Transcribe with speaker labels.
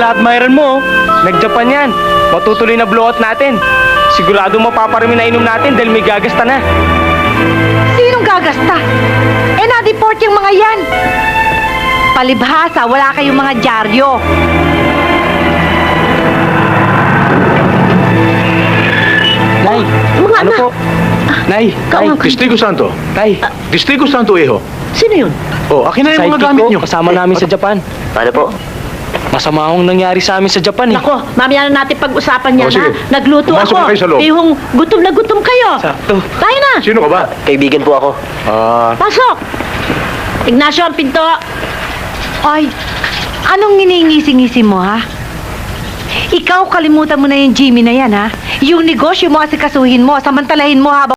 Speaker 1: na-admirean mo, nag-Japan yan. Matutuloy na blowout natin. Sigurado mapaparami na inom natin dahil may gagasta na.
Speaker 2: Sinong gagasta? Na-deport yung mga yan. Palibhasa, wala kayong mga dyaryo.
Speaker 1: Nay,
Speaker 2: Mga
Speaker 1: ano
Speaker 2: anak.
Speaker 1: po? Nay, Nay,
Speaker 3: Testigo Santo.
Speaker 1: Tay,
Speaker 3: Testigo Santo, Eho.
Speaker 2: Sino yun?
Speaker 3: Oh, akin na yung mga
Speaker 1: sidekick
Speaker 3: gamit
Speaker 1: ko,
Speaker 3: nyo.
Speaker 1: kasama namin sa Japan.
Speaker 4: Ano po?
Speaker 1: Masama akong nangyari sa amin sa Japan eh.
Speaker 2: Nako, mamaya na natin pag-usapan yan,
Speaker 3: Oh, sige.
Speaker 2: ha? Nagluto
Speaker 3: Pumasok
Speaker 2: ako.
Speaker 3: na kayo sa loob.
Speaker 2: Yung gutom na gutom kayo.
Speaker 1: Sakto.
Speaker 2: Tayo na.
Speaker 3: Sino ka ba?
Speaker 4: Kaibigan po ako.
Speaker 2: Pasok. Ignacio, ang pinto. Ay, anong nginingisi-ngisi mo, ha? Ikaw, kalimutan mo na yung Jimmy na yan, ha? Yung negosyo mo asikasuhin mo, samantalahin mo habang